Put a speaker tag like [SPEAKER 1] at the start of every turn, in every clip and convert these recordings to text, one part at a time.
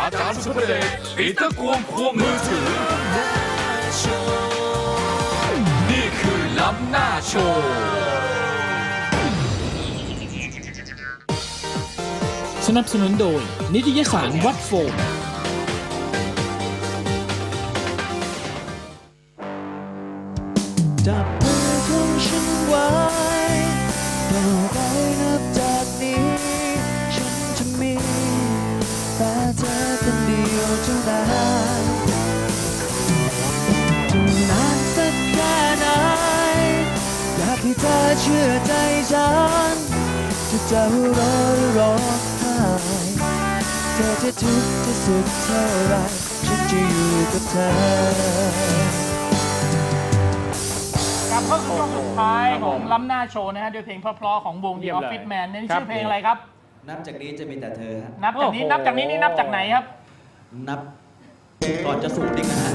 [SPEAKER 1] อาจารย์สุภเดชปีเตอร์กวงควงมือถือนี่คือล้ำหน้าโชว์
[SPEAKER 2] สนับสนุนโดยนิตยสารวัดโฟม
[SPEAKER 3] จับมือของฉันไว้ต่อไปนับจากนี้ฉันจะมีแต่เธอคนเดียวเท่านั้นจะนานสักแค่ไหนอยากให้เธอเชื่อใจฉันจะหัวเราะหรือร้องไห้เธอจะทุกข์จะสุขเท่าไรฉันจะอยู่กับเธ
[SPEAKER 4] อกลับเข้าสู่ช่วงสุดท้ายของล้ำหน้าโชว์นะฮะด้วยเพลงเพราะๆของวง The Office Man นี่ชื่อเพลงอะไรครับ
[SPEAKER 3] นับจากนี้จะมีแต่เธอฮะ
[SPEAKER 4] นับจากนี้นี่นับจากไหนครับ
[SPEAKER 3] นับก่อนจะสูดอีกนะฮะ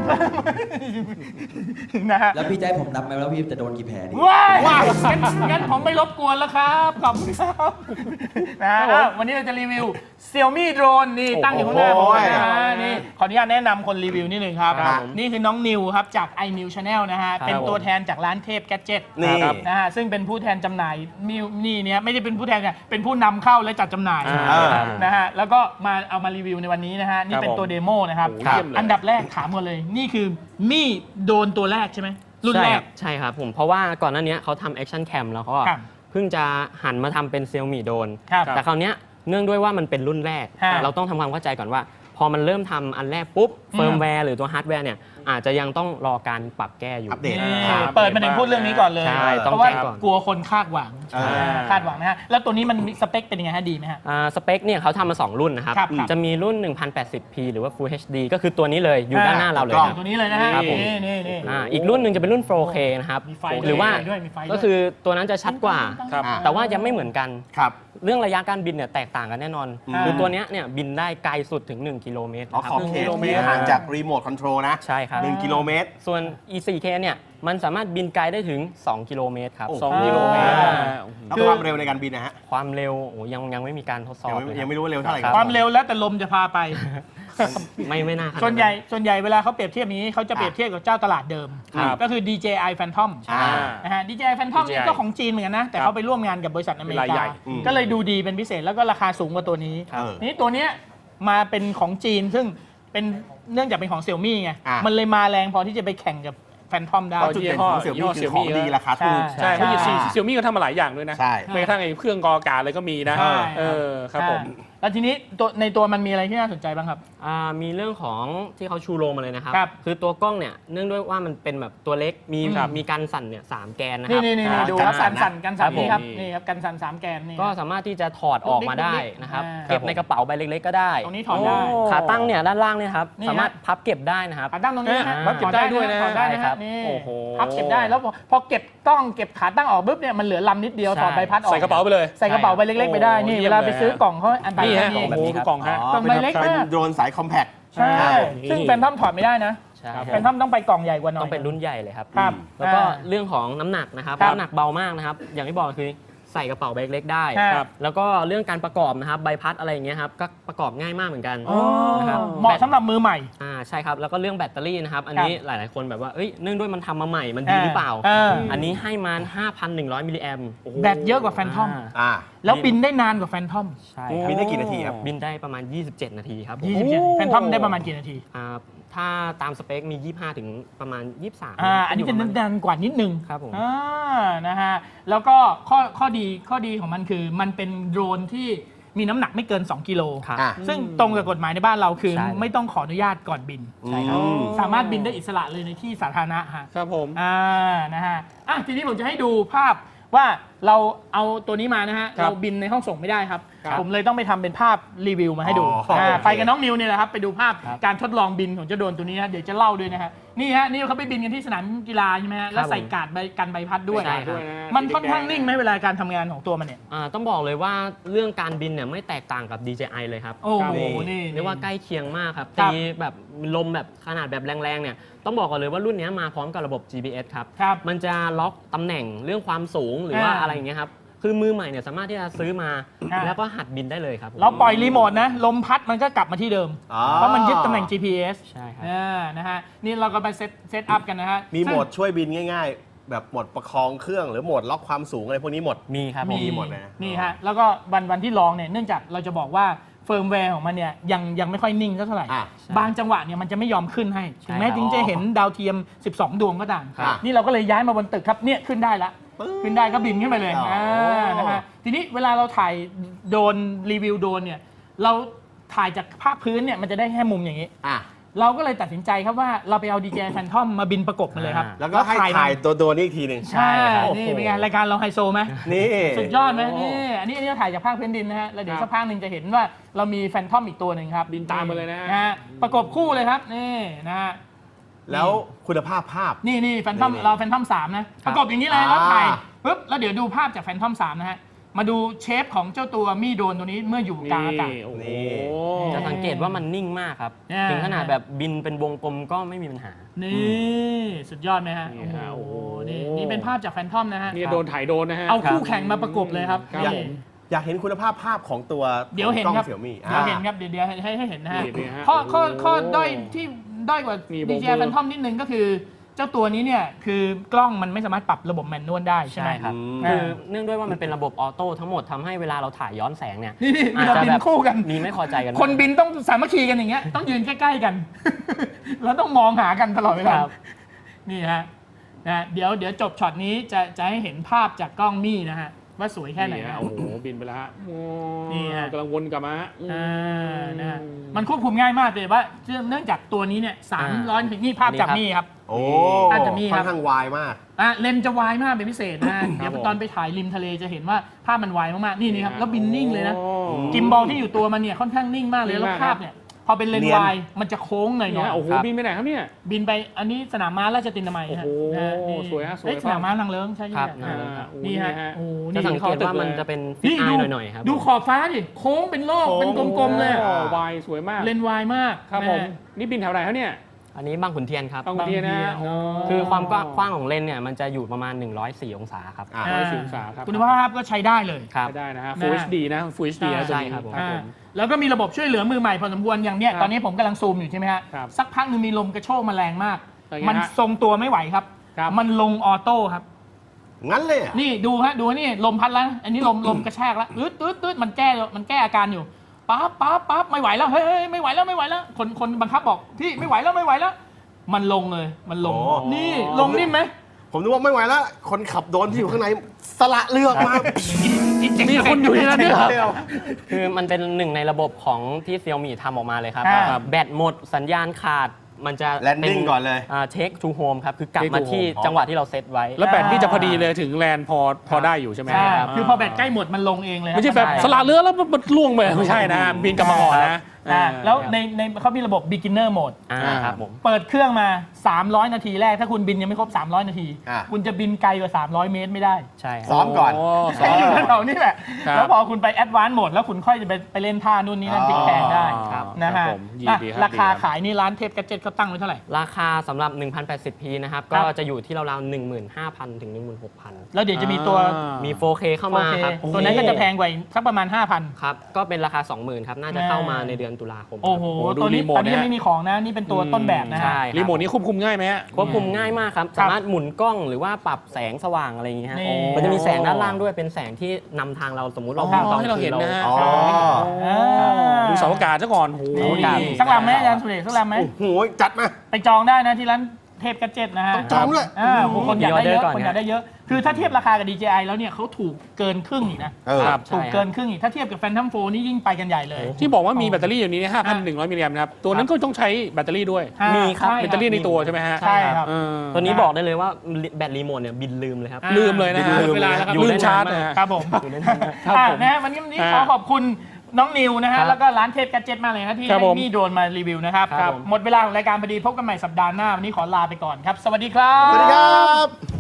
[SPEAKER 4] นะฮะ
[SPEAKER 3] แล้วพี่จะให้ผมนับไหมว่าพี่จะโดนกี่แผลดี
[SPEAKER 4] ว้ายงั้นผมไม่รบกวนแล้วครับขอบคุณครับนะฮะวันนี้เราจะรีวิว Xiaomi Drone นี่ตั้งอยู่ข้างหน้าผมนะฮะนี่ขออนุญาตแนะนำคนรีวิวนิดนึงครับนี่คือน้องนิวครับจาก iNew Channel นะฮะเป็นตัวแทนจากร้านเทพแกดเจ็ตนะฮะซึ่งเป็นผู้แทนจำหน่ายนี่เนี่ยไม่ได้เป็นผู้แทนเนี่ยเป็นผู้นำเข้าและจัดจำหน่ายนะฮะแล้วก็เอามารีวิวในวันนี้นะฮะนี่เป็นตัวเดโมนะครับอันดับแรกถามกันเลยนี่คือมี่โดนตัวแรกใช่ไหมรุ่นแรก
[SPEAKER 5] ใช่ครับผมเพราะว่าก่อนหน้านี้เขาทำแอคชั่นแคมแล้วก็เพิ่งจะหันมาทำเป็น Xiaomi โดนแต่คราวนี้เนื่องด้วยว่ามันเป็นรุ่นแรกเราต้องทำความเข้าใจก่อนว่าพอมันเริ่มทำอันแรกปุ๊บเฟิร์มแวร์หรือตัวฮาร์ดแวร์เนี่ยอาจจะยังต้องรอการปรับแก้อยู่
[SPEAKER 6] อัปเดต
[SPEAKER 4] เปิดมาถึงพูดเรื่องนี้ก่อนเลยเพราะว่ากลัวคนคาดหวังนะฮะแล้วตัวนี้มันสเปคเป็นยังไงฮะดีไหมฮะ
[SPEAKER 5] สเปคเนี่ยเขาทำมา2รุ่นนะครับจะมีรุ่น 1080p หรือว่า Full HD ก็คือตัวนี้เลยอยู่ด้านหน้าเราเลยครับ
[SPEAKER 4] ตัวนี้เลยนะฮะนี่
[SPEAKER 5] อีกรุ่นหนึ่งจะเป็นรุ่น 4K นะครับหรือว่าก็คือตัวนั้นจะชัดกว่าแต่ว่ายังไม่เหมือนกันเรื่องระยะการบินเนี่ยแตกต่างกันแน่นอนคือตัวนี้เนี่ยบินได้ไกลสุดถึง1กิโลเมตร
[SPEAKER 6] ขอบเขตห่างจากรีโมทคอนโทรลนะ
[SPEAKER 5] ใช่ครับ
[SPEAKER 6] 1กิโลเมตร
[SPEAKER 5] ส่วน E4K เนี่ยมันสามารถบินไกลได้ถึง2กิโลเมตรครับ
[SPEAKER 6] 2กิโลเมตรแล้วความเร็วในการบินนะฮะ
[SPEAKER 5] ความเร็วยังไม่มีการทดสอบ
[SPEAKER 6] ยังไม่รู้ว่าเร็วเท่าไหร่
[SPEAKER 4] ความเร็วแล้วแต่ลมจะพาไป
[SPEAKER 5] ไม่น่า
[SPEAKER 4] ส่วนใหญ่เวลาเขาเปรียบเทียบนี้เขาจะเปรียบเทียบกับเจ้าตลาดเดิมก็คือ DJI Phantom นะฮะ DJI Phantom นี่ก็ของจีนเหมือนกันนะแต่เขาไปร่วมงานกับบริษัทอเมริกาก็เลยดูดีเป็นพิเศษแล้วก็ราคาสูงกว่าตัวนี้นี่ตัวเนี้ยมาเป็นของจีนซึ่งเป็นเนื่องจากเป็นของ Xiaomi ไงมันเลยมาแรงพอที่จะไปแข่งกับแฟนทอมได้
[SPEAKER 6] จุดเด่นของเสี่ยวมี่คือของดีราคาถูก
[SPEAKER 7] ใช่เพราะเสี่ยวมี่ก็ทำมาหลายอย่างด้วยนะไม่กระทั่งไอ้เครื่องกรองอากาศอะไรก็มีนะครับผม
[SPEAKER 4] แล้วทีนี้ในตัวมันมีอะไรที่น่าสนใจบ้างครับ
[SPEAKER 5] มีเรื่องของที่เขาชูโรงมาเลยนะครับคือตัวกล้องเนี่ยเนื่องด้วยว่ามันเป็นแบบตัวเล็กมีการสั่นเนี่ย3แกนนะครับ
[SPEAKER 4] นี่ดูครับกันสั่นนี่ครับนี่ครับกันสั่น3แกนนี่
[SPEAKER 5] ก็สามารถที่จะถอดออกมาได้นะครับเก็บในกระเป๋าใบเล็กๆก็ได้
[SPEAKER 4] ตรงนี้ถอดได้
[SPEAKER 5] ขาตั้งเนี่ยด้านล่างเนี่ยครับสามารถพับเก็บได้นะครับ
[SPEAKER 4] ขาตั้งตรงนี้
[SPEAKER 7] พับเก็บได้ด้วยนะ
[SPEAKER 4] ถอดได้ครับโอ้โหพับเก็บได้แล้วพอเก็บต้องเก็บขาตั้งออกปุ๊บเนี่ยมันเหลือลำนิดเดียวถอดใบพัดออก
[SPEAKER 7] ใส่กระเป๋าไปเลย
[SPEAKER 4] ใส่กระเป๋าใบเล็กๆไปได้นี่เวลาไปซื้อกล่องเขาอัน
[SPEAKER 7] นี้ฮะโอ้โหดูกล่องฮะ
[SPEAKER 4] ใบเล็ก
[SPEAKER 6] เป็นโดรนสายคอมแพค
[SPEAKER 4] ใช่ซึ่งแฟนทอมถอดไม่ได้นะแฟนทอมต้องไปกล่องใหญ่กว่าหน่อย
[SPEAKER 5] ต้องเป็นรุ่นใหญ่เลยครับแล้วก็เรื่องของน้ำหนักนะครับน้ำหนักเบามากนะครับอย่างที่บอกคือใส่กระเป๋าใบเล็กได้แล้วก็เรื่องการประกอบนะครับใบพัดอะไรอย่างเงี้ยครับก็ประกอบง่ายมากเหมือนกัน
[SPEAKER 4] นะครับเหมาะสำหรับมือใหม่
[SPEAKER 5] ใช่ครับแล้วก็เรื่องแบตเตอรี่นะครับอันนี้หลายๆคนแบบว่าเนื่องด้วยมันทำมาใหม่มันดีหรือเปล่าอันนี้ให้มา 5,100 มิลลิแอม
[SPEAKER 4] แบตเยอะกว่าแฟนทอมแล้วบินได้นานกว่าแฟนทอม
[SPEAKER 5] ใช่
[SPEAKER 6] บินได้กี่นาทีครับ
[SPEAKER 5] บินได้ประมาณ27นาทีครับ
[SPEAKER 4] 27แฟนทอมได้ประมาณกี่นาที
[SPEAKER 5] ถ้าตามสเปคมี25ถึงประมาณ23
[SPEAKER 4] อันนี้จะนานกว่านิดนึง
[SPEAKER 5] ครับผม
[SPEAKER 4] นะฮะแล้วก็ข้อดีของมันคือมันเป็นโดรนที่มีน้ำหนักไม่เกิน2กิโลซึ่งตรงกับกฎหมายในบ้านเราคือไม่ต้องขออนุญาตก่อนบินสามารถบินได้อิสระเลยในที่สาธารณะ
[SPEAKER 7] ครับผม
[SPEAKER 4] นะฮะทีนี้ผมจะให้ดูภาพว่าเราเอาตัวนี้มานะฮะเราบินในห้องส่งไม่ได้ครับผมเลยต้องไปทำเป็นภาพรีวิวมาให้ดูไปกับน้องนิวเนี่ยแหละครับไปดูภาพการทดลองบินของเจ้าโดรนตัวนี้นะเดี๋ยวจะเล่าด้วยนะฮะนี่ฮะนี่เขาไปบินกันที่สนามกีฬาใช่ไหมฮะแล้วใส่การ์ดกันใบพัดด้วยมันค่อนข้างนิ่งไหมเวลาการทำงานของตัวมันเนี่ย
[SPEAKER 5] ต้องบอกเลยว่าเรื่องการบินเนี่ยไม่แตกต่างกับ DJI เลยครับ
[SPEAKER 4] โอ้โหนี่
[SPEAKER 5] เรียกว่าใกล้เคียงมากครับตีแบบลมแบบขนาดแบบแรงๆเนี่ยต้องบอกก่อนเลยว่ารุ่นนี้มาพร้อมกับระบบ GPS ครับมันจะล็อกตำแหน่งเรื่องความสูงหรือว่าอะไรอย่างเงี้ยครับคือมือใหม่เนี่ยสามารถที่จะซื้อมา แล้วก็หัดบินได้เลยครับผม
[SPEAKER 4] เราปล่อยรีโมทนะลมพัดมันก็กลับมาที่เดิม
[SPEAKER 6] อ๋อ
[SPEAKER 4] เพราะมันยึดตำแหน่ง GPS
[SPEAKER 5] ใช่ครับ
[SPEAKER 4] นะฮะนี่เราก็ไปเซตอัพกันนะฮะ
[SPEAKER 6] มีโหมดช่วยบินง่ายๆ แบบโหมดประคองเครื่องหรือโหมดล็อกความสูงอะไรพวกนี้หมด
[SPEAKER 5] มีครับ
[SPEAKER 6] มีหมดเลยนะ
[SPEAKER 4] นี่ฮะแล้วก็วันที่ลองเนี่ยเนื่องจากเราจะบอกว่าเฟิร์มแวร์ของมันเนี่ยยังไม่ค่อยนิ่งเท่าไหร่
[SPEAKER 6] อ่ะ
[SPEAKER 4] บางจังหวะเนี่ยมันจะไม่ยอมขึ้นให้
[SPEAKER 5] ใช่
[SPEAKER 4] ถึงแม้
[SPEAKER 5] ครับ
[SPEAKER 4] จริงจะเห็นดาวเทียม 12 ดวงก็ตาม
[SPEAKER 6] ครับ
[SPEAKER 4] นี่เราก็เลยย้ายมาบนตึกครับเนี่ยขึ้นได้ละ
[SPEAKER 6] ปึ๊บ
[SPEAKER 4] ขึ้นได้ก็บินขึ้นไปเลย
[SPEAKER 6] อ๋ออ่
[SPEAKER 4] นะฮะทีนี้เวลาเราถ่ายโดรนรีวิวโดรนเนี่ยเราถ่ายจากภาคพื้นเนี่ยมันจะได้แค่มุมอย่างนี้
[SPEAKER 6] อ่ะ
[SPEAKER 4] เราก็เลยตัดสินใจครับว่าเราไปเอา DJI Phantom มาบินประกบมาเลยครับ
[SPEAKER 6] แล้วก็ให้ถ่ายตัวโดนอีกทีหนึ่ง
[SPEAKER 4] ใช่
[SPEAKER 6] โอ้โห
[SPEAKER 4] นี่เป็นไงรายการเราไฮโซไหม
[SPEAKER 6] นี่
[SPEAKER 4] สุดยอดไหมนี่อันนี้เราถ่ายจากภาคพื้นดินนะฮะแล้วเดี๋ยวสักพักหนึ่งจะเห็นว่าเรามีแฟนทอมอีกตัวหนึ่งครับ
[SPEAKER 7] บินตามมาเลยนะฮะ
[SPEAKER 4] ฮะประกบคู่เลยครับนี่นะฮะ
[SPEAKER 6] แล้วคุณภาพภาพ
[SPEAKER 4] นี่แฟนทอม
[SPEAKER 6] นี่
[SPEAKER 4] เราแฟนทอม3นะประกบอย่างนี้เลยแล้ว
[SPEAKER 6] อ่า
[SPEAKER 4] ถ่ายปุ๊บแล้วเดี๋ยวดูภาพจากแฟนทอม3นะฮะมาดูเชฟของเจ้าตัวมีโดรนตัวนี้เมื่ออยู่กลางอากาศ
[SPEAKER 7] โอ้โห
[SPEAKER 6] นี่
[SPEAKER 5] จะสังเกตว่ามันนิ่งมากครับ
[SPEAKER 4] อ่า
[SPEAKER 5] ถึงขนาดแบบบินเป็นวงกลมก็ไม่มีปัญหา
[SPEAKER 4] นี่สุดยอดไหมฮะ
[SPEAKER 7] นี่ฮะ
[SPEAKER 4] โอ้โห
[SPEAKER 7] โอ้โห
[SPEAKER 4] นี่เป็นภาพจากแฟนทอมนะฮะ
[SPEAKER 7] นี่โดนถ่ายโดนนะฮะ
[SPEAKER 4] เอาคู่แข่งมาประกบเลยครับ
[SPEAKER 7] ครับ
[SPEAKER 6] อยาก
[SPEAKER 7] ผม
[SPEAKER 6] อยากเห็นคุณภาพภาพของตัว
[SPEAKER 4] เดี๋ยวเห็น
[SPEAKER 6] กล้อง
[SPEAKER 4] ครับ
[SPEAKER 6] เสี่ยมี่
[SPEAKER 4] เดี๋ยวเห็นครับเดี๋ยวให้เห็นนะฮะ
[SPEAKER 7] นี่ฮะ
[SPEAKER 4] ข้อด้อยที่ด้อยกว่า
[SPEAKER 7] มีโบว์
[SPEAKER 4] DJI Phantom นิดนึงก็คือ เจ้าตัวนี้เนี่ยคือกล้องมันไม่สามารถปรับระบบแมนนวลได้ใช่ไหม
[SPEAKER 5] ใช่ครับ
[SPEAKER 4] อ่า
[SPEAKER 5] คือเนื่องด้วยว่ามันเป็นระบบออโต้ทั้งหมดทำให้เวลาเราถ่ายย้อนแสงเนี่ย
[SPEAKER 4] นี่เว
[SPEAKER 5] อาจ
[SPEAKER 4] ลา
[SPEAKER 5] จะ
[SPEAKER 4] บิน
[SPEAKER 5] แบบ
[SPEAKER 4] คู่กัน
[SPEAKER 5] มีไม่พอใจกัน
[SPEAKER 4] คนบินต้องสามัคคีกันอย่างเงี้ยต้องยืนใกล้ๆกัน แล้วต้องมองหากันตลอดเวลา
[SPEAKER 5] ครับ
[SPEAKER 4] นี่ฮะนะเดี๋ยวจบช็อตนี้จะให้เห็นภาพจากกล้องมี่นะฮะว่าสวยแค่ไหน
[SPEAKER 7] นี่ฮะ
[SPEAKER 4] ฮะ
[SPEAKER 7] โอ้โหบินไปแล้วฮะโอ้
[SPEAKER 4] นี่ฮะ
[SPEAKER 7] กำลังวนกลับมาฮะ
[SPEAKER 4] นะฮะมันควบคุมง่ายมากเลยว่าเนื่องจากตัวนี้เนี่ย300ถึงนี่ภาพจากมี่ครับ
[SPEAKER 6] โอ้
[SPEAKER 4] น่าจะมีครับ
[SPEAKER 6] ค่อนข้างวายมาก
[SPEAKER 4] เลนส์จะวายมากเป็นพิเศษนะเดี๋ยวตอนไปถ่ายริมทะเลจะเห็นว่าภาพมันวายมากๆนี่ครับแล้วบินนิ่งเลยนะ
[SPEAKER 7] โอ้
[SPEAKER 4] กิมบอลที่อยู่ตัวมันเนี่ยค่อนข้างนิ่งมากเลย
[SPEAKER 7] นิ่
[SPEAKER 4] แล้ว
[SPEAKER 7] งมาก
[SPEAKER 4] ภาพเนี่ยพอเป็นเลน
[SPEAKER 6] เนี
[SPEAKER 4] ส์
[SPEAKER 6] ยน
[SPEAKER 4] วายมันจะโค้งหน่อย
[SPEAKER 7] เนี่ยโอ้โห
[SPEAKER 5] ครับ
[SPEAKER 7] บินไปไหนครับเนี่ย
[SPEAKER 4] บินไปอันนี้สนามม้าราชตินามัยฮะ
[SPEAKER 7] โอ้โห
[SPEAKER 4] นะฮะนี่
[SPEAKER 7] สวยฮะสวย
[SPEAKER 4] เอ้สนามม้านางเลิ้งใช่ไหม
[SPEAKER 5] ครับ
[SPEAKER 4] อ่า
[SPEAKER 7] โอ้
[SPEAKER 4] นี่ฮะ
[SPEAKER 7] นี่ฮะ
[SPEAKER 4] โอ้
[SPEAKER 5] จะ
[SPEAKER 4] นี่
[SPEAKER 5] สังเกตว่ามันจะเป็นฟิต
[SPEAKER 4] นี่
[SPEAKER 5] อาย
[SPEAKER 4] ดู
[SPEAKER 5] หน่อยๆครับ
[SPEAKER 4] ดูขอบฟ้าดิโค้งเป็นโลกเป็นกลมๆเลย
[SPEAKER 7] โอ้วายสวยมาก
[SPEAKER 4] เลนส์วายมาก
[SPEAKER 7] ครับ
[SPEAKER 4] นะ
[SPEAKER 7] ผม
[SPEAKER 4] ฮะ
[SPEAKER 7] นี่บินแถวไหนครับเนี่ย
[SPEAKER 5] อันนี้บางขุนเทียนครับ
[SPEAKER 7] บางขุนเทียนนะ
[SPEAKER 4] บางขุนเทียน
[SPEAKER 5] คือความกว้างของเลนส์เนี่ยมันจะอยู่ประมาณ 104 องศาครับ
[SPEAKER 6] อ่ะ
[SPEAKER 7] 110องศาครับ
[SPEAKER 4] คุณภาพก็ใช้ได้เลย
[SPEAKER 5] ครับ
[SPEAKER 7] ไม่ได้นะฮะ Full HD นะ Full HD นะตัว
[SPEAKER 5] ใช่
[SPEAKER 7] นี้
[SPEAKER 5] ครับผม
[SPEAKER 7] ครับผม
[SPEAKER 4] แล้วก็มีระบบช่วยเหลือมือใหม่พอสมควรอย่างเนี้ย
[SPEAKER 7] ครับ
[SPEAKER 4] ตอนนี้ผมกำลังซูมอยู่ใช่ไหมฮะ
[SPEAKER 7] ครับ
[SPEAKER 4] สักพักหนึงมีลมกระโชกมาแรงมาก
[SPEAKER 7] เป็นไงฮะ
[SPEAKER 4] มันทรงตัวไม่ไหวครับ
[SPEAKER 7] ครับ
[SPEAKER 4] มันลงออโต้ครับ
[SPEAKER 6] งั้นเลยเหรอ
[SPEAKER 4] นี่ดูฮะดูนี่ลมพัดแล้วอันนี้ลมกระแทกแล้วตืดมันแก้อาการอยู่ปั๊บไม่ไหวแล้วเฮ้ยไม่ไหวแล้วคนบังคับบอกพี่ไม่ไหวแล้วมันลงเลยมันลง
[SPEAKER 6] โอ้
[SPEAKER 4] นี่ลงนิ่มไหม
[SPEAKER 6] ผมนึกว่าไม่ไหวแล้ว คนขับโดรนที่อยู่ข้างในสละเรือออกมา
[SPEAKER 7] นี่คุณอยู่ที่นั่นด้วยเหรอ
[SPEAKER 5] คือมันเป็นหนึ่งในระบบของที่เซี่ยมี่ทำออกมาเลยครับ
[SPEAKER 4] อ่า
[SPEAKER 5] แบตหมดสัญญาณขาดมันจะ
[SPEAKER 6] Landing ก่อนเลย
[SPEAKER 5] เทคทูโฮมครับ คือกลับ
[SPEAKER 7] Take
[SPEAKER 5] มา
[SPEAKER 7] to
[SPEAKER 5] ที่
[SPEAKER 7] home
[SPEAKER 5] จังหวะที่เราเซตไว้
[SPEAKER 7] แล้วแบตนี่จะพอดีเลยถึงแลนด์พอได้อยู่ใช่ไหม
[SPEAKER 4] ใช่
[SPEAKER 7] รับ
[SPEAKER 4] คือพอแบตใกล้หมดมันลงเองเลย
[SPEAKER 7] ไม่ใช่แบบ
[SPEAKER 5] ใช่
[SPEAKER 7] สละเรือแล้วมันล่วงไปไม่ใช่นะ บินกลับมาก่อนนะ
[SPEAKER 4] แล้วในเขามีระบบ beginner mode
[SPEAKER 5] ครับผม
[SPEAKER 4] เปิดเครื่องมา 300 นาทีแรก ถ้าคุณบินยังไม่ครบ 300 นาที
[SPEAKER 6] อ่ะ
[SPEAKER 4] คุณจะบินไกลกว่า 300 เมตรไม่ได้
[SPEAKER 5] ใช่ค
[SPEAKER 6] ซ้
[SPEAKER 5] รับ
[SPEAKER 6] อมก่อน
[SPEAKER 7] ซ้อม
[SPEAKER 4] อยู่แถวๆนี้แหละ
[SPEAKER 7] ครับ
[SPEAKER 4] แล้วพอคุณไป advanced mode แล้วคุณค่อยจะไปเล่นท่านู่นนี่นั่นพลิกแพลงได้
[SPEAKER 7] ครับ
[SPEAKER 4] นะฮะ
[SPEAKER 7] ครับผมยิน
[SPEAKER 4] อ่ะ
[SPEAKER 7] ดีครับ
[SPEAKER 4] ราคา
[SPEAKER 7] ดีครับ
[SPEAKER 4] ขายนี่ร้านเทพกัจเจ็ตเขาตั้งไว้เท่าไหร่
[SPEAKER 5] ราคาสำหรับ 1080p นะครับ
[SPEAKER 4] ครั
[SPEAKER 5] ก็
[SPEAKER 4] บ
[SPEAKER 5] จะอยู่ที่ราวๆ 15,000 ถึง 16,000
[SPEAKER 4] แล้วเดี๋ยวจะมีตัว
[SPEAKER 5] มี 4K เข้ามา
[SPEAKER 4] 4K
[SPEAKER 5] ครับ
[SPEAKER 4] ตัวนั้นก็จะแพงกว่าอีกสักประมาณ 5,000
[SPEAKER 5] ครับ ก็เป็นราคา 20,000 ครับ น่าจะเข้ามาในเดือนตุลาคมครับ
[SPEAKER 4] โอ้โห
[SPEAKER 7] โอ้ดู
[SPEAKER 4] ตัวนี้
[SPEAKER 7] รีโมท
[SPEAKER 4] ตอนนี้
[SPEAKER 7] นะ
[SPEAKER 4] ยังไม่มีของนะ นี่เป็นตัวต้นแบบนะฮะ
[SPEAKER 5] ใช่ครับ
[SPEAKER 7] รีโมทนี้ควบคุมง่ายไหมฮะ
[SPEAKER 5] ควบคุมง่ายมากครับ สามารถหมุนกล้องหรือว่าปรับแสงสว่างอะไรอย่างเงี้ยฮะ
[SPEAKER 4] นี่
[SPEAKER 5] มันจะมีแสงด้านล่างด้วยเป็นแสงที่นำทางเราสมมุติเรา
[SPEAKER 7] อ๋อ
[SPEAKER 5] บินตอน
[SPEAKER 7] ให้เราเห็นนะฮะ
[SPEAKER 6] อ๋อ
[SPEAKER 7] ดูเสาอากาศซะก่อนโห
[SPEAKER 4] นี่
[SPEAKER 7] ดี
[SPEAKER 4] สักลำไหมอาจารย์สุเดชสักลำไหม
[SPEAKER 6] โอ้โห จัดมา
[SPEAKER 4] ไปจองได้นะที่ร้านเทพกัจเจ็ตนะฮะ
[SPEAKER 6] ต้องจองด้วย
[SPEAKER 4] คนอยากได้เยอะ
[SPEAKER 5] มีออเดอร์ก่อน
[SPEAKER 4] คนอยากได้เยอะ คือถ้าเทียบราคากับ DJI แล้วเนี่ยเขาถูกเกินครึ่งอีกนะ
[SPEAKER 6] เออ
[SPEAKER 7] ครับ
[SPEAKER 4] ถูกเกินครึ่งอีก ถ้าเทียบกับ Phantom 4 นี่ยิ่งไปกันใหญ่เลย
[SPEAKER 7] ที่บอกว่ามีแบตเตอรี่อยู่นี้ 5,100 มิลลิแอมป์นะครับ ตัวนั้นก็ต้องใช้แบตเตอรี่ด้วย
[SPEAKER 5] มีครับ
[SPEAKER 4] ใช่
[SPEAKER 7] แบตเตอรี่ในตัวใช่ไหมฮะ
[SPEAKER 4] ใช่ครับ
[SPEAKER 7] เออ
[SPEAKER 5] ตัวนี้บอกได้เลยว่าแบตรีโมทเนี่ยบินลืมเลยครับ
[SPEAKER 7] ลืมเลยนะฮะ
[SPEAKER 6] ลืม
[SPEAKER 7] เวลาแล้วครับ
[SPEAKER 5] อยู่
[SPEAKER 7] ลื
[SPEAKER 5] ได้
[SPEAKER 7] ม
[SPEAKER 5] นาน
[SPEAKER 7] ชาร์จ
[SPEAKER 5] มาก
[SPEAKER 7] นะฮะ
[SPEAKER 4] ครับผม
[SPEAKER 5] อยู่ในนั้นนะ
[SPEAKER 7] ครับผม
[SPEAKER 4] นะฮะวันนี้ขอขอบคุณน้องนิวนะ
[SPEAKER 5] ค
[SPEAKER 4] ฮะ
[SPEAKER 5] รับ
[SPEAKER 4] แล้วก็ร้านเทพกัจเจ็ตมากเลยนะที่
[SPEAKER 7] ครับ
[SPEAKER 4] ให้
[SPEAKER 7] ผม
[SPEAKER 4] มีโดรนมารีวิวนะครับ
[SPEAKER 5] ครับผม
[SPEAKER 4] หมดเวลาของรายการพอดีพบกันใหม่สัปดาห์หน้า วันนี้ขอลาไปก่อนครับ สวัสดีครับ
[SPEAKER 6] สวัสดีครับ